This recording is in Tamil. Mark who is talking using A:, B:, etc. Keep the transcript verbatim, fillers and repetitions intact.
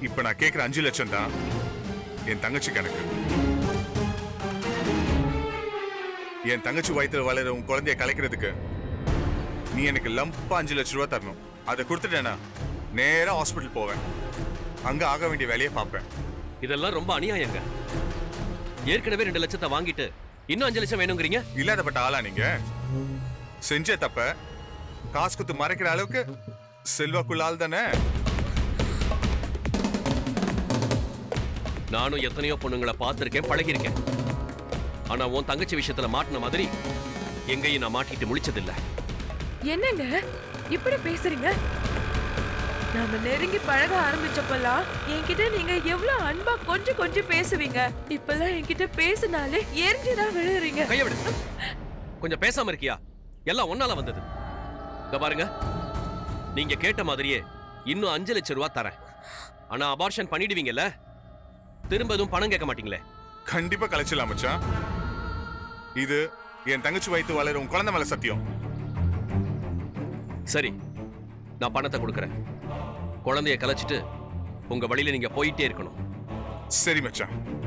A: இப்ப நான் கேக்குற அஞ்சு லட்சம் தான் என் தங்கச்சி கணக்கு. என் தங்கச்சி வயித்துல வளர உன் குழந்தைய கலைக்கிறதுக்கு நீ எனக்கு லம்பா அஞ்சு லட்சம் ரூபாய் தரணும். அதை கொடுத்துட்டேனா நேரா ஹாஸ்பிட்டல் போவேன். அங்க ஆக வேண்டிய வேலையை பார்ப்பேன்.
B: இதெல்லாம் ரொம்ப அநியாயங்க. ஏற்கனவே ரெண்டு லட்சத்தை வாங்கிட்டு இன்னும் அஞ்சு லட்சம் வேணுங்கிறீங்க.
A: இல்லாதப்பட்ட ஆளா நீங்க? செஞ்ச தப்ப காசு குத்து மறைக்கிற அளவுக்கு செல்வாக்குள்ள ஆள் தானே.
B: நானும் எத்தனையோ பொண்ணுங்களை பார்த்திருக்கேன், பழகிருக்கேன். ஆனா உன் தங்கச்சி விஷயத்துல மாட்டின மாதிரி எங்கேயும் நான் மாட்டிட்டு முழிச்சதில்லை.
C: என்னங்க இப்படி பேசுறீங்க? நாம நெருங்கி பழக ஆரம்பிச்சப்பெல்லாம் என்கிட்ட நீங்க எவ்வளவு அன்பா கொஞ்சம் கொஞ்சம் பேசுவீங்க. இப்பெல்லாம் என்கிட்ட பேசினாலே எரிஞ்சுதான் விழுறீங்க.
B: கைய விடு. கொஞ்சம் பேசாம இருக்கியா? எல்லாம் ஒன்னால வந்தது. இத பாருங்க, நீங்க கேட்ட மாதிரியே இன்னும் அஞ்சு லட்சம் ரூபாய் தரேன். ஆனா அபார்ஷன் பண்ணிடுவீங்கல்ல, திரும்ப எதுவும் பணம் கேட்க மாட்டீங்களே?
A: கண்டிப்பா கலைச்சலாம் மச்சான். இது என் தங்கச்சி வயித்து வளர உன் குழந்தை மேல சத்தியம்.
B: சரி, நான் பணத்தை கொடுக்கறேன். குழந்தைய கலைச்சிட்டு உங்க வழியில நீங்க போயிட்டே இருக்கணும்.
A: சரி மச்சான்.